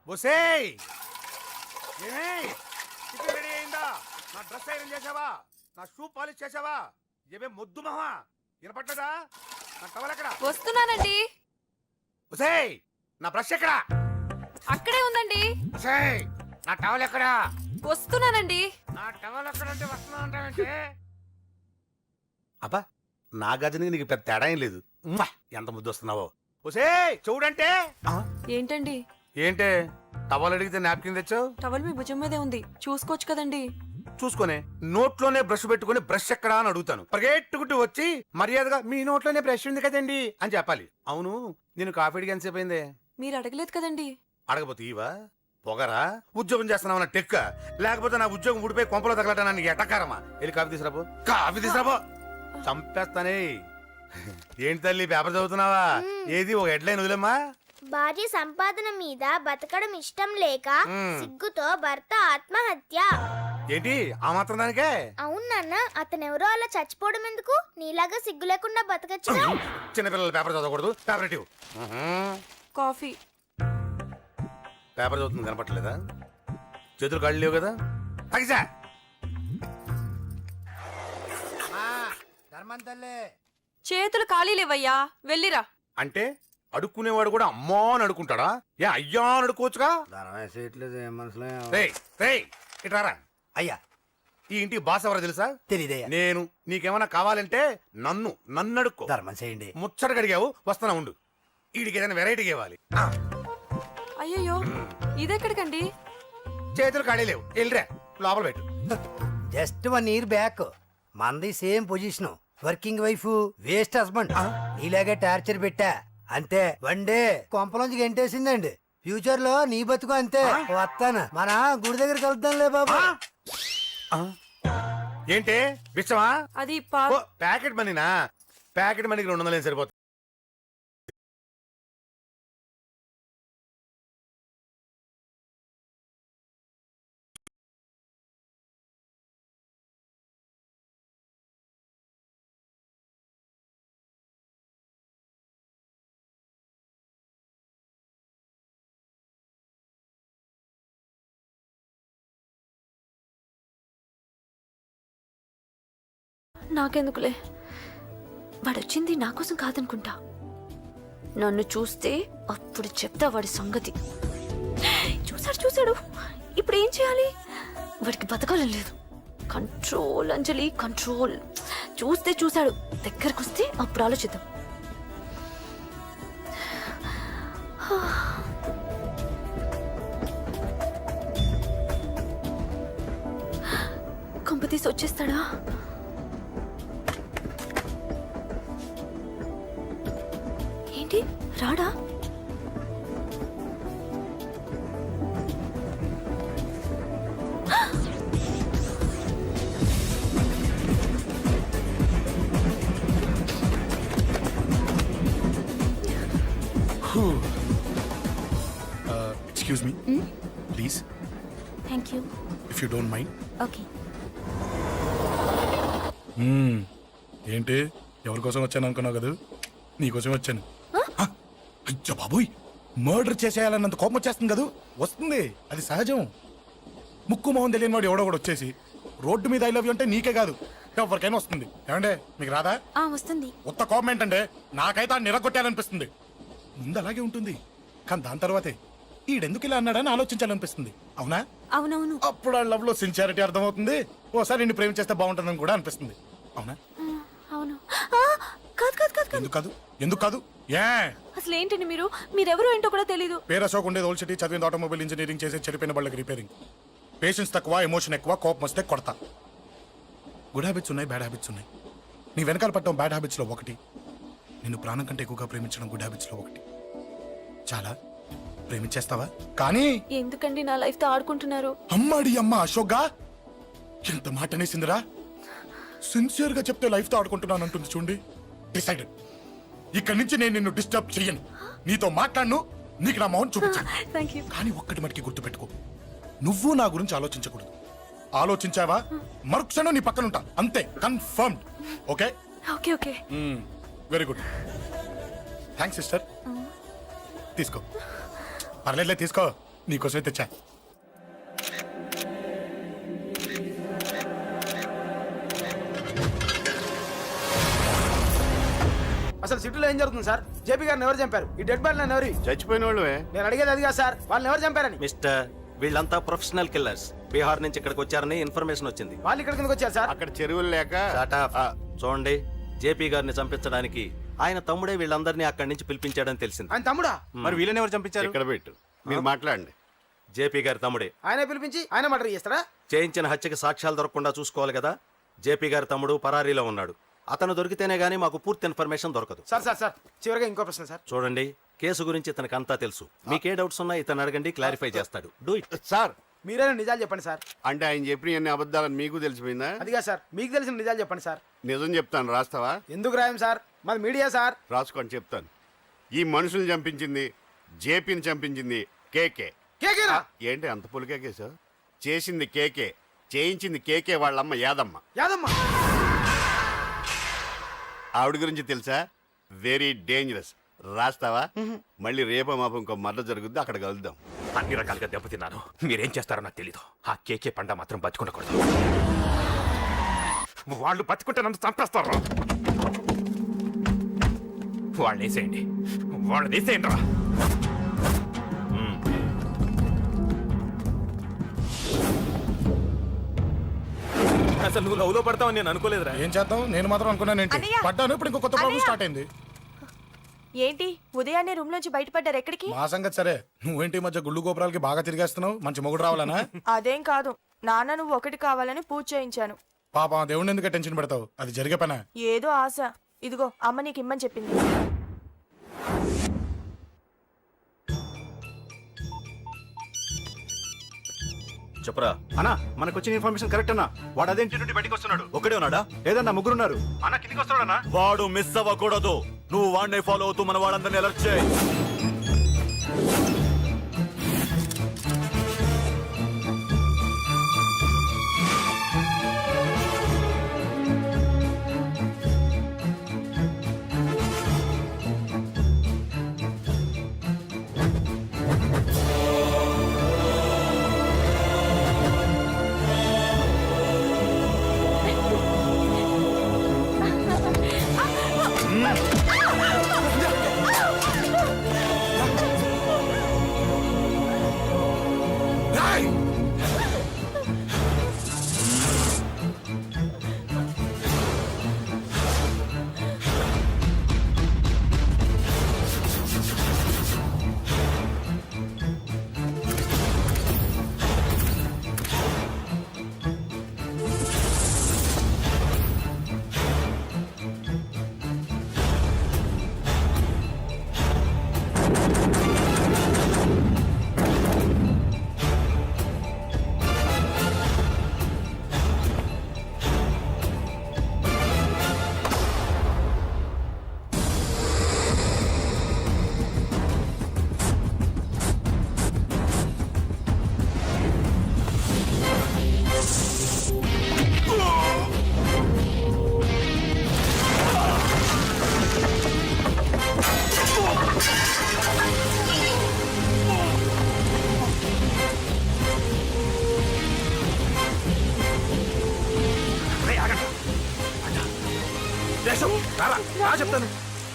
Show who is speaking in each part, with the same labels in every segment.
Speaker 1: బొసేయ్ ready అయిందా? నా dress iron చేసావా? నా షూ పాలిష్ చేసావా? ఏమే మొద్దు మహా వినపట్టదా? నా టవల్ ఎక్కడ?
Speaker 2: వస్తున్నానండి.
Speaker 1: బొసేయ్ నా బ్రష్ ఎక్కడ?
Speaker 2: అక్కడే ఉందండి.
Speaker 1: బొసేయ్ నా టవల్ ఎక్కడ?
Speaker 2: వస్తున్నానండి.
Speaker 1: నా టవల్ ఎక్కడంటే వస్తున్నా అంటావేంటి? అబ్బా నా గజనికి నీకు పెద్ద తేడా ఏం లేదు. ఉమ్మా, ఎంత ముద్దు వస్తున్నావో. బొసేయ్ చూడంటే
Speaker 2: ఏంటండి?
Speaker 1: ఏంటే టవల్ అడిగితే నాప్కిన్ తెచ్చావు?
Speaker 2: టవల్ మీ భుజం మీదే ఉంది, చూసుకోవచ్చు కదండి.
Speaker 1: చూసుకునే నోట్లోనే బ్రష్ పెట్టుకుని బ్రష్ ఎక్కడా అని అడుగుతాను. పరిగెట్టుకుంటూ వచ్చి మర్యాదగా మీ నోట్లోనే బ్రష్ ఉంది కదండి అని చెప్పాలి. అవును నేను కాఫీ అడిగి ఎంతసేపు అయిందే?
Speaker 2: మీరు అడగలేదు కదండి.
Speaker 1: అడగపోతే ఇవా పొగరా? ఉద్యోగం చేస్తున్నావు టెక్క, లేకపోతే నా ఉద్యోగం ఊడిపోయి కొంపలో తగలటానికి ఎటకారమా? వెళ్ళి కాఫీ తీసుకురాబో. కాఫీ తీసుకురాబో. చంపేస్తానే. ఏంటి తల్లి పేపర్ చదువుతున్నావా? ఏది ఒక హెడ్లైన్ వదిలేమ్మా.
Speaker 3: భార్య సంపాదన మీద బతకడం ఇష్టం లేక సిగ్గుతో భర్త ఆత్మహత్య.
Speaker 1: ఏంటి ఆ మాత్రం దానికే?
Speaker 3: అవును నాన్న, అతనెవరో అలా చచ్చిపోవడం ఎందుకు? నీలాగా సిగ్గు లేకుండా బతకచ్చు.
Speaker 1: చిన్నపిల్లల పేపర్ చదవకూడదు. పేపర్ ఇవ్వు.
Speaker 2: కాఫీ.
Speaker 1: పేపర్ చదువుతుంది కనపట్లేదా? చేతులు కాళ్ళు లేవు కదా? తగ్గిసా
Speaker 2: చేతులు ఖాళీ లేవయ్యా, వెళ్ళిరా.
Speaker 1: అంటే అడుక్కునేవాడు కూడా అమ్మా అని అడుకుంటాడా? ఏ అయ్యా అని అడుకోవచ్చుగా? ఇట్రారా.
Speaker 4: అయ్యా
Speaker 1: ఈ ఇంటికి బాస్ ఎవరో తెలుసా?
Speaker 4: తెలీదయ్యా.
Speaker 1: నేను. నీకేమైనా కావాలంటే నన్ను అడుక్కో.
Speaker 4: ధర్మం చేయండి.
Speaker 1: ముచ్చటగా అడిగావు, వస్తున్నా ఉండు. వీడికి ఏదైనా వెరైటీ ఇవ్వాలి.
Speaker 2: అయ్యయ్యో, ఇదెక్కడికండి?
Speaker 1: చేతులు ఖాళీ లేవు, వెళ్ళిరా లోపల పెట్టు.
Speaker 4: జస్ట్ 1 year బ్యాక్ మంది same position, working wife, waste husband. నీలాగే టార్చర్ పెట్టా అంతే. 1 day కొంపలోంచి గెంటేసిందండి. ఫ్యూచర్ లో నీ బతుకు అంతే. వస్తాను, మన గుడి దగ్గర కలుద్దాంలే బాబా.
Speaker 1: ఏంటి బిచ్చమా?
Speaker 2: అది
Speaker 1: ప్యాకెట్ మనీనా? ప్యాకెట్ మనీకి 200 సరిపోతుంది.
Speaker 2: నాకెందుకులే, వాడొచ్చింది నా కోసం కాదనుకుంటా. నన్ను చూస్తే అప్పుడు చెప్తా వాడి సంగతి. చూసాడు. ఇప్పుడు ఏం చేయాలి? వాడికి బతకాలని లేదు. Control Anjali, control. చూశాడు, దగ్గరకు వస్తే అప్పుడు ఆలోచిద్దాం. కంపతీసి వచ్చేస్తాడా? ఏంటి రాడా?
Speaker 5: Excuse me, please.
Speaker 2: Thank you.
Speaker 5: If you don't mind.
Speaker 2: Okay.
Speaker 5: ఏంటి ఎవరి కోసం వచ్చాను అనుకున్నావు కదా? నీకోసం వచ్చాను. అయ్యో బాబోయ్, మర్డర్ చేసేయాలన్నంత కోపం వచ్చేస్తుంది కదా? వస్తుంది, అది సహజం. ముక్కు మొహం తెలియని వాడు ఎవడో కూడా వచ్చేసి రోడ్డు మీద ఐ లవ్ యూ అంటే నీకే కాదు ఎవరికైనా వస్తుంది. ఏమండే మీకు రాదా?
Speaker 2: వస్తుంది.
Speaker 5: ఉత్త కోపం ఏంటంటే నాకైతే నిరగొట్టాలనిపిస్తుంది. ముందు అలాగే ఉంటుంది, కానీ దాని తర్వాతే ఈడెందుకు ఇలా అన్నాడని ఆలోచించాలనిపిస్తుంది. అవునా?
Speaker 2: అవునవును.
Speaker 5: అప్పుడు ఆ లవ్ లో సిన్సియారిటీ అర్థమవుతుంది. ఓసారి నిన్ను ప్రేమించేస్తే బాగుంటుందని కూడా అనిపిస్తుంది. అవునా?
Speaker 2: అవును.
Speaker 5: ఎందుకు కాదు? ఏ
Speaker 2: అసలు ఏంటండి మీరెవరు ఏంటో కూడా తెలీదు.
Speaker 5: పేరు అశోక్, ఉండేది ఓల్డ్ సిటీ, చదివింది ఆటోమొబైల్ ఇంజనీరింగ్, చేసే చెడిపోయిన వాళ్ళకి రిపేరింగ్. పేషెన్స్ తక్కువ, ఎమోషన్ ఎక్కువ, కోపం వస్తే కొడతా. గుడ్ హ్యాబిట్స్ ఉన్నాయి, బ్యాడ్ హ్యాబిట్స్ ఉన్నాయి. నీ వెనకాల పట్టడం బ్యాడ్ హ్యాబిట్స్ లో ఒకటి, నిన్ను ప్రాణం కంటే ఎక్కువగా ప్రేమించడం గుడ్ హ్యాబిట్స్ లో ఒకటి. చాలా ప్రేమించేస్తావా? కానీ
Speaker 2: ఎందుకండి నా లైఫ్ తో ఆడుకుంటున్నారు?
Speaker 5: అమ్మాడి అమ్మ అశోక్గా ఎంత మాట అనేసిందిరా. సిన్సియర్ గా చెప్తే లైఫ్ తో ఆడుకుంటున్నాను అంటుంది చూడండి. డిసైడెడ్, ఇక్కడి నుంచి నేను నిన్ను డిస్టర్బ్ చెయ్యను. నీతో మాట్లాడను, నీకు నా మౌన్ చూపించాను. కానీ ఒక్కటి మటుకి గుర్తుపెట్టుకో, నువ్వు నా గురించి ఆలోచించకూడదు. ఆలోచించావా మరుక్షణం నీ పక్కన ఉంటా, అంతే. Confirmed. Okay?
Speaker 2: Okay.
Speaker 5: Very good. Thanks sister. తీసుకో, పర్లేదులే తీసుకో. నీకోసమే తెచ్చా.
Speaker 6: అసలు సిటీలో ఏం జరుగుతుంది సార్? జేపీ గారిని ఎవరు చంపారు? ఈ డెడ్ బాడీ ఎవరు?
Speaker 1: చచ్చిపోయిన వాళ్ళే.
Speaker 6: నేను అడిగేది అది కాదు సార్, వాళ్ళని ఎవరు చంపారని.
Speaker 7: మిస్టర్, వీళ్ళంతా ప్రొఫెషనల్ కిల్లర్స్. బీహార్ నుంచి ఇక్కడికి వచ్చారని ఇన్ఫర్మేషన్ వచ్చింది.
Speaker 6: వాళ్ళు ఇక్కడ కిందకి వచ్చారు సార్.
Speaker 1: అక్కడ చెరువులు లేక
Speaker 7: Shut up. చూడండి, జేపీ గారిని చంపించడానికి ఆయన తమ్ముడే వీళ్ళందరినీ అక్కడి నుంచి పిలిపించాడని తెలిసింది.
Speaker 6: ఆయన తమ్ముడా?
Speaker 1: మరి వీళ్ళని ఎవరు చంపించారు? ఇక్కడ పెట్టు, మీరు మాట్లాడండి.
Speaker 7: జేపీ గారి తమ్ముడే.
Speaker 6: ఆయనే పిలిపించి ఆయన మర్డర్ చేస్తారా?
Speaker 7: చేయించిన హత్యకి సాక్ష్యాలు దొరకకుండా చూసుకోవాలి కదా. జేపీ గారి తమ్ముడు పరారీలో ఉన్నాడు. అతను దొరికితేనే గానీ మాకు పూర్తి ఇన్ఫర్మేషన్ దొరకదు.
Speaker 6: సార్ సార్ సార్ చివరిగా ఇంకో ప్రశ్న సార్.
Speaker 7: చూడండి, కేసు గురించి ఇతనికి అంతా తెలుసు. మీకే డౌట్స్ ఉన్నా ఇతను అడగండి, క్లారిఫై చేస్తాడు. Do it.
Speaker 1: సార్
Speaker 6: మీరే నిజాలు చెప్పండి సార్.
Speaker 1: అంటే ఆయన చెప్పిన అన్ని అబద్ధాలని మీకు తెలిసిపోయిందా?
Speaker 6: అదిగా సార్, మీకు తెలిసిన నిజాలు చెప్పండి సార్.
Speaker 1: నిజం చెప్తాను, రాస్తావా?
Speaker 6: ఎందుకు రాయం సార్, మాది మీడియా సార్.
Speaker 1: రాసుకోండి, చెప్తాను. ఈ మనుషుల్ని చంపించింది, జేపీని చంపించింది కేకే.
Speaker 6: కేకేనా?
Speaker 1: ఏంటి అంత పులికేకేసా? చేసింది కేకే, చేయించింది కేకే వాళ్ళమ్మ యాదమ్మ.
Speaker 6: యాదమ్మ?
Speaker 1: ఆవిడ గురించి తెలుసా? Very dangerous. రాస్తావా? మళ్ళీ రేపో మాపం ఇంకో మర్ర జరుగుద్ది, అక్కడ కలుద్దాం.
Speaker 8: అన్ని రకాలుగా దెబ్బతిన్నాను. మీరేం చేస్తారో నాకు తెలీదు. ఆ కేకే పండ మాత్రం బతుకుండకూడదు. వాళ్ళు బతుకుంటే నన్ను చంపేస్తారు. వాళ్ళని వేసేయండి, వాళ్ళని వేసేయండి రా. అసలు నువ్వు లవ్లో పడతావని నేను అనుకోలేదురా.
Speaker 5: ఏం చేద్దాం, నేను మాత్రం అనుకున్నాను ఏంటి,
Speaker 9: అన్నయ్య!
Speaker 5: పడ్డాను. ఇప్పుడు ఇంకో కొత్త ప్రాబ్లం
Speaker 9: అన్నయ్య!
Speaker 5: స్టార్ట్ అయింది.
Speaker 9: ఏంటి ఉదయాన్నే రూమ్ నుంచి బయటపడ్డారు? ఎక్కడికి?
Speaker 5: మా సంగతి సరే, నువ్వేంటి ఈ మధ్య గుళ్ళు గోపురాలకి బాగా తిరిగేస్తున్నావు? మంచి మొగుడు రావాలనా?
Speaker 9: అదేం కాదు నాన్న, నువ్వు ఒకటి కావాలని పూజ చేయించాను.
Speaker 5: పాప దేవుడిని ఎందుకు టెన్షన్ పెడతావు? అది జరిగే పనా?
Speaker 9: ఏదో ఆశ. ఇదిగో అమ్మ నీకు ఇమ్మని చెప్పింది.
Speaker 7: చెప్పరా
Speaker 10: అన్నా, మనకు వచ్చిన ఇన్ఫర్మేషన్ కరెక్ట్ అన్నా. వాడు అదేంటి నుండి బయటకు వస్తున్నాడు.
Speaker 7: ఒకడే ఉన్నాడా?
Speaker 10: లేదన్నా, ముగ్గురున్నారు. అన్న కిందికి వస్తాడన్నా.
Speaker 7: వాడు మిస్ అవ్వకూడదు. నువ్వు వాడిని ఫాలో అవుతూ మన వాళ్ళందరినీ అలర్ట్ చేయి.
Speaker 8: చెప్తాను.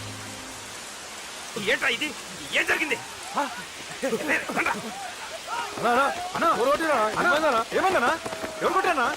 Speaker 8: ఏంట్రా ఇది? ఏం జరిగింది?
Speaker 6: ఏమన్నా ఎవరు కొట్టానా?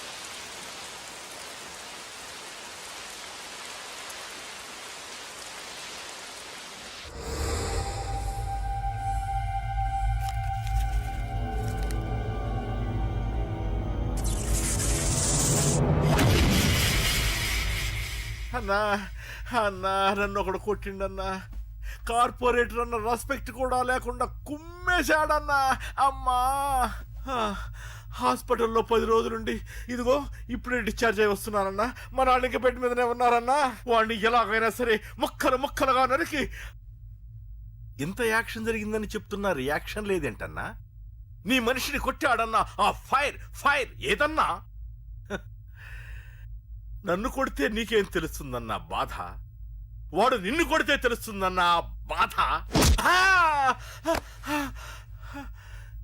Speaker 10: అన్నా అన్నా, నన్ను ఒకడు కొట్టిండన్నా. కార్పొరేటర్ అన్న రెస్పెక్ట్ కూడా లేకుండా కుమ్మేశాడన్నా. అమ్మా, హాస్పిటల్లో 10 రోజులుండి ఇదిగో ఇప్పుడే డిశ్చార్జ్ అయి వస్తున్నానన్నా. మా నాన్నకి బెడ్ మీదనే ఉన్నారన్నా. వాడిని ఎలాగైనా సరే ముక్కలు ముక్కలుగా నరికి. ఇంత యాక్షన్ జరిగిందని చెప్తున్నా, రియాక్షన్ లేదేంటన్నా? నీ మనిషిని కొట్టాడన్నా. ఆ ఫైర్ ఫైర్ ఏదన్నా? నన్ను కొడితే నీకేం తెలుస్తుందన్నా బాధ? వాడు నిన్ను కొడితే తెలుస్తుందన్నా బాధ.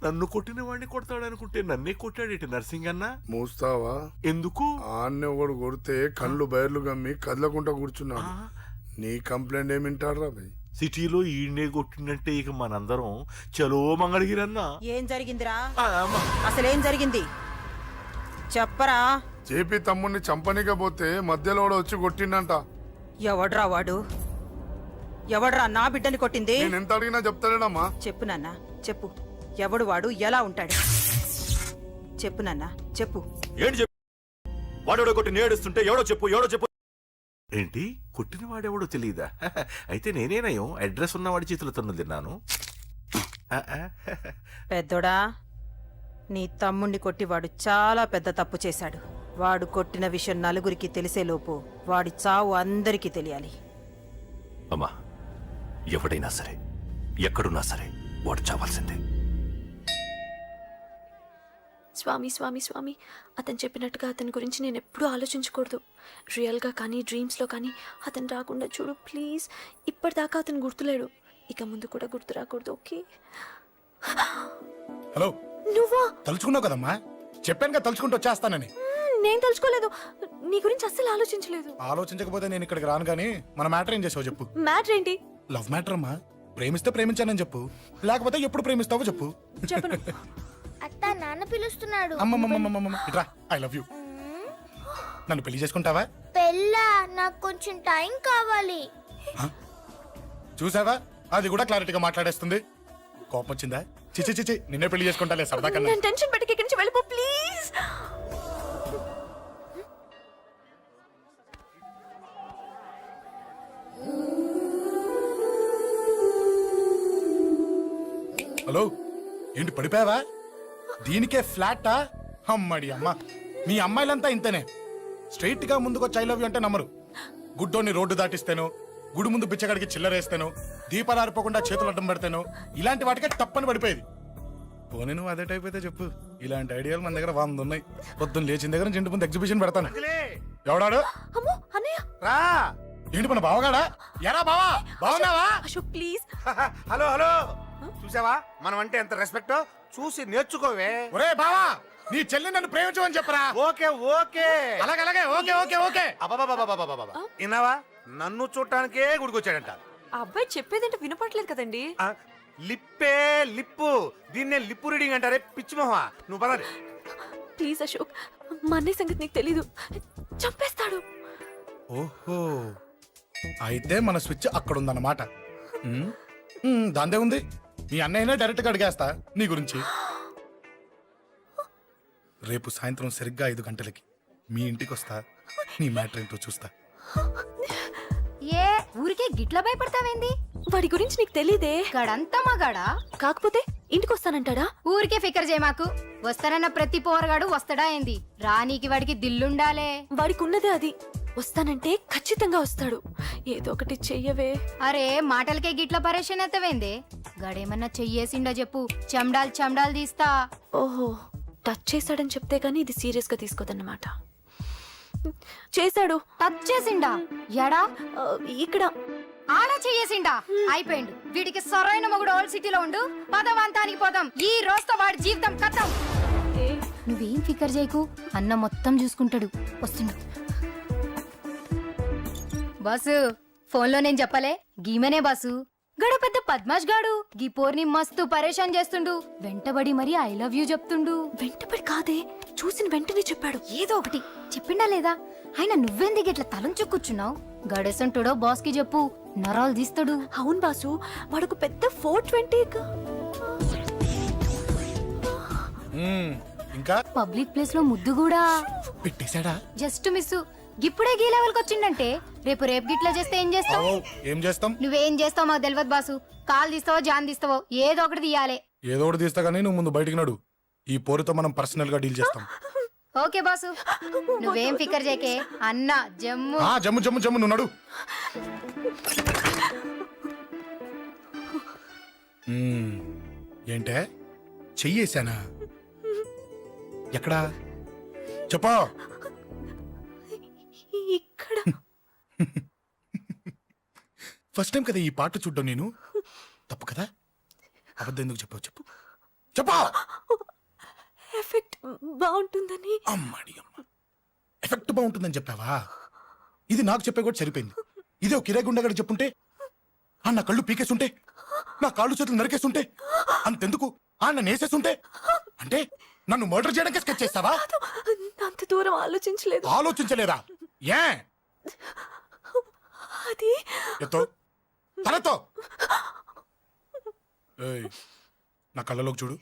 Speaker 10: నన్ను కొట్టిన వాడిని కొడతాడు అనుకుంటే నన్నే కొట్టాడేటి నర్సింగ్ అన్న.
Speaker 11: మూస్తావా?
Speaker 10: ఎందుకు?
Speaker 11: ఆన్నే ఒకడు కొడితే కళ్ళు బయర్లు గమ్మి కదలకుండా కూర్చున్నాడు. నీ కంప్లైంట్ ఏమింటాడ్రా భయ్?
Speaker 10: సిటీలో ఈయనే కొట్టిందంటే ఇక మనందరం చలో మంగళగిరన్నా.
Speaker 9: ఏం జరిగిందిరా? అసలేం జరిగింది చెప్పరా?
Speaker 11: జేపీ తమ్ముడిని చంపనీకపోతే మధ్యలో వాడు వచ్చి కొట్టిండంట.
Speaker 9: ఎవడ్రా వాడు? ఎవడ్రా నా బిడ్డని కొట్టింది?
Speaker 11: నేను ఎంత అడిగినా చెప్తాడమ్మా.
Speaker 9: చెప్పు నాన్న చెప్పు. ఎవడు వాడు? ఎలా ఉంటాడు? చెప్పు నాన్న చెప్పు.
Speaker 7: ఏంటి చెప్పు? వాడెవడో కొట్టి నేడుస్తుంటే ఎవడో చెప్పు, ఎవడో చెప్పు.
Speaker 10: ఏంటి కొట్టిన వాడెవడో తెలియదా? అయితే నేనేనయం అడ్రస్ ఉన్నవాడి చేతులతో తిన్నాను.
Speaker 9: పెద్దోడా, నీ తమ్ముణ్ణి కొట్టి వాడు చాలా పెద్ద తప్పు చేశాడు. వాడు కొట్టిన విషయం నలుగురికి తెలిసేలోపు వాడి చావు అందరికీ తెలియాలి.
Speaker 8: అమ్మా, ఎవడైనా సరే ఎక్కడున్నా సరే వాడు చావాల్సిందే.
Speaker 2: స్వామి స్వామి స్వామి, అతను చెప్పినట్టుగా అతని గురించి నేను ఎప్పుడూ ఆలోచించకూడదు. రియల్గా కానీ డ్రీమ్స్లో కానీ అతను రాకుండా చూడు ప్లీజ్. ఇప్పటిదాకా అతను గుర్తులేడు, ఇక ముందు కూడా గుర్తు రాకూడదు. ఓకే?
Speaker 5: హలో,
Speaker 2: నువ్వా?
Speaker 5: తలుచుకున్నావు కదమ్మా, చెప్పాను కదా తలుచుకుంటూ వచ్చేస్తానని.
Speaker 2: నేను తలుచుకోలేదు, నీ గురించి అస్సలు ఆలోచించలేదు.
Speaker 5: ఆలోచించకపోతే నేను ఇక్కడికి రాను కానీ మన మ్యాటర్ ఏం చేసావు చెప్పు.
Speaker 2: మ్యాటర్ ఏంటి?
Speaker 5: లవ్ మ్యాటర్ అమ్మా. ప్రేమిస్తే ప్రేమించానని చెప్పు, లేకపోతే ఎప్పుడు ప్రేమిస్తావో చెప్పు.
Speaker 2: చెప్పను.
Speaker 3: అత్త నాన్న పిలుస్తున్నాడు.
Speaker 5: అమ్మమ్మమ్మమ్మమ్మ ఇట్రా, ఐ లవ్ యూ. నన్ను పెళ్లి చేసుకుంటావా?
Speaker 3: పెళ్ళా? నాకు కొంచెం టైం కావాలి.
Speaker 5: చూసావా, అది కూడా క్లారిటీగా మాట్లాడేస్తుంది. కోపం వచ్చిందా? చిచి చిచి, నిన్నే పెళ్లి చేసుకుంటాలే సరదా కన్నా.
Speaker 2: నేను టెన్షన్ పెట్టి ఇక్కడి నుంచి వెళ్ళిపో ప్లీజ్.
Speaker 5: హలో, ఏంటి పడిపోయావా? దీనికే ఫ్లాటా? అమ్మడి అమ్మ, మీ అమ్మాయిలంతా ఇంతనే. స్ట్రైట్ గా ముందుకొచ్చి ఐ లవ్ యూ అంటే నమ్మరు. గుడ్డోని రోడ్డు దాటిస్తాను, గుడి ముందు బిచ్చగాడికి చిల్లరేస్తాను, దీపాలు ఆరిపోకుండా చేతులు అడ్డం పెడతాను, ఇలాంటి వాటికే తప్పని పడిపోయేది. పోనీ నువ్వు అదే టైప్ అయితే చెప్పు, ఇలాంటి ఐడియాలు మన దగ్గర 100 ఉన్నాయి. పొద్దున్న లేచిన దగ్గర నుంచి ఇంటి ముందు ఎగ్జిబిషన్ పెడతాను. ఎవడాడు?
Speaker 2: అమ్మో అన్నయ్య.
Speaker 1: రా.
Speaker 5: ఏంటి మన బావగాడా? ఎరా బావా, బావున్నావా?
Speaker 2: అశోక్ ప్లీజ్.
Speaker 1: హలో హలో, చూసావా మనం అంటే ఎంత రెస్పెక్ట్? చూసి నేర్చుకోవే.
Speaker 5: ఒరే బావా, నీ చెల్లి నన్ను ప్రేమించమని చెప్పరా.
Speaker 1: ఓకే ఓకే,
Speaker 5: అలాగే ఓకే ఓకే ఓకే.
Speaker 1: అబాబాబాబాబాబాబా, విన్నావా? నన్ను చూడటానికే గుడికొచ్చాడంట.
Speaker 9: ఆ అబ్బాయి చెప్పేదంటే వినపడలేదు కదండి.
Speaker 1: ఆ, లిప్పే లిప్పు, దీన్నే లిప్పు రీడింగ్ అంటారే పిచ్చి మొహ. నువ్వు పదండి.
Speaker 2: ప్లీజ్ అశోక్, మా అన్నయ్య సంగతి నీకు తెలీదు, చంపేస్తాడు.
Speaker 5: ఓహో, అయితే మన స్విచ్ అక్కడ ఉందన్నమాట. దాందే ఉంది, మీ అన్నయ్యనే డైరెక్ట్ గా అడిగేస్తా నీ గురించి. రేపు సాయంత్రం సరిగ్గా 5 గంటలకి మీ ఇంటికి వస్తా, నీ మ్యాటర్ ఏంటో చూస్తా.
Speaker 3: ఏ ఊరికే గిట్ల భయపడతావేంది?
Speaker 2: వాడి గురించి నీకు తెలీదే.
Speaker 3: గడంతా మగాడా?
Speaker 2: కాకపోతే ఇంటికి వస్తానంటాడా?
Speaker 3: ఊరికే ఫికర్ చేయమాకు. వస్తానన్న ప్రతి పోరగాడు వస్తాడా ఏంది? రానీకి వాడికి దిల్లుండాలే.
Speaker 2: వాడికి ఉన్నదే అది. వస్తానంటే ఖచ్చితంగా వస్తాడు. ఏదో ఒకటి చెయ్యవే.
Speaker 3: అరే మాటలకే గిట్ల పరేషన్ ఎత్తవేంది? గడేమన్నా చెయ్యేసిండో చెప్పు, చెమ్డాల్ తీస్తా.
Speaker 2: ఓహో, టచ్ చేశాడని చెప్తే గానీ ఇది సీరియస్ గా తీసుకోదన్నమాట. చేశాడు.
Speaker 3: టచ్ చేసిండా? ఎడా?
Speaker 2: ఇక్కడ.
Speaker 3: ఆడ చెయ్యేసిండా? అయిపోయిండు. వీడికి సరైన మొగుడు ఓల్డ్ సిటీలో ఉండు. పదవంతానికి పోదాం. ఈ రోజుతో వాడి జీవితం కథం. నువ్వేం ఫికర్ చేయకు, అన్న మొత్తం చూసుకుంటాడు. వస్తుండు. బాసు, ఫోన్లో నేను చెప్పలే, గీమనే బాసు. గడ పెద్ద పద్మాష్ గాడు గీ పోర్ని మస్తు పరేషాన్ చేస్తుండు. వెంటబడి మరి ఐ లవ్ యూ చెప్తుండు.
Speaker 2: వెంటపడి కాదే, చూసిన వెంటనే చెప్పాడు.
Speaker 3: ఏదో ఒకటి చెప్పిండా లేదా? ఆయన నువ్వెందుకు ఇట్లా తలంచు కూర్చున్నావు? గడేసంటుడో బాస్ కి చెప్పు, నరాలు తీస్తాడు.
Speaker 2: అవును బాసు, వాడొక పెద్ద 420.
Speaker 5: ఇంకా
Speaker 3: పబ్లిక్ ప్లేస్ లో ముద్దు కూడా
Speaker 5: పెట్టేశాడా?
Speaker 3: Just miss. గిప్పుడే గీ లెవెల్ కి వచ్చిండంటే రేపు గిట్లా చేస్తే ఏం చేస్తావు?
Speaker 5: ఏం చేస్తాం?
Speaker 3: నువ్వేం చేస్తావు మాకు తెలియదు బాసు. కాల్ తీస్తావో జాన్ తీస్తావో ఏదో ఒకటి తీయాలి.
Speaker 5: ఏదో ఒకటి తీస్తా గానీ నువ్వు ముందు బయటికి నడు. ఈ పోరుతో మనం పర్సనల్ గా డీల్ చేస్తాం.
Speaker 3: ఓకే బాసు, నువ్వేం ఫికర్ చేకే. అన్న జమ్ము.
Speaker 5: జమ్ము జమ్ము జమ్ము, నువ్వు నడు. ఏంటే చెయ్యేశానా? ఎక్కడా చెప్పా?
Speaker 2: ఇక్కడ.
Speaker 5: ఫస్ట్ టైం కదా ఈ పాట చూడ్డం నేను. తప్పు కదా? అబద్ధం ఎందుకు చెప్పావు చెప్పు. చెప్పా.
Speaker 2: ఎఫెక్ట్ బాగుంటుందని.
Speaker 5: అమ్మాడి అమ్మ, ఎఫెక్ట్ బాగుంటుందని చెప్పావా? ఇది నాకు చెప్పే కూడా సరిపోయింది. ఇదే ఒక కిరాయి గుండెగాడు చెప్పుంటే, నా కళ్ళు పీకేస్తుంటే, నా కాళ్ళు చేతులు నరికేస్తుంటే, అంతెందుకు నన్ను వేసేస్తుంటే, అంటే నన్ను మర్డర్ చేయడానికి స్కెచ్ చేస్తావా?
Speaker 2: అంత దూరం ఆలోచించలేదు.
Speaker 5: ఆలోచించలేదా? ఏ
Speaker 2: అది
Speaker 5: ఎత్తో తలతో. ఏయ్, నా కళ్ళలోకి చూడు.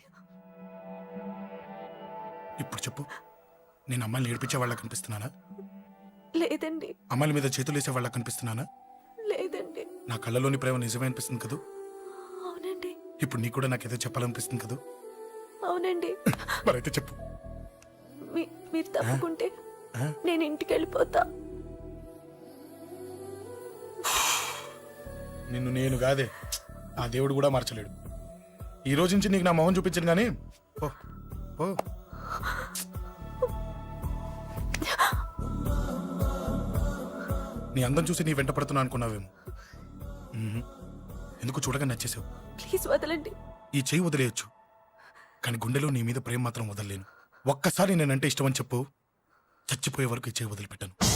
Speaker 5: ఇప్పుడు చెప్పు, నేను అమ్మాయిని ఏడిపించే వాళ్ళ కనిపిస్తున్నానా?
Speaker 2: లేదండి.
Speaker 5: అమ్మాయిల మీద చేతులు వేసే వాళ్ళ కనిపిస్తున్నానా?
Speaker 2: లేదండి.
Speaker 5: నా కళ్ళలోని ప్రేమ నిజమే అనిపిస్తుంది కదూ?
Speaker 2: అవునండి.
Speaker 5: ఇప్పుడు నీకు కూడా నాకేదో చెప్పాలనిపిస్తుంది కదూ?
Speaker 2: అవునండి.
Speaker 5: మరైతే చెప్పు.
Speaker 2: మీరు తప్పుకుంటే
Speaker 5: ఆ?
Speaker 2: నేను ఇంటికి వెళ్ళిపోతా.
Speaker 5: నిన్ను నేను కాదే, ఆ దేవుడు కూడా మార్చలేడు. ఈ రోజు నుంచి నీకు నా మొహం చూపించను కానీ ఓ ఓ. నీ అందం చూసి నీ వెంట పడుతున్నా అనుకున్నావేమో. ఎందుకు చూడగా నచ్చేసావు.
Speaker 2: ప్లీజ్ వదలండి.
Speaker 5: ఈ చెయ్యి వదిలేయచ్చు, కానీ గుండెలో నీ మీద ప్రేమ మాత్రం వదలలేను. ఒక్కసారి నేనంటే ఇష్టమని చెప్పు, చచ్చిపోయే వరకు ఈ చెయ్యి వదిలిపెట్టాను.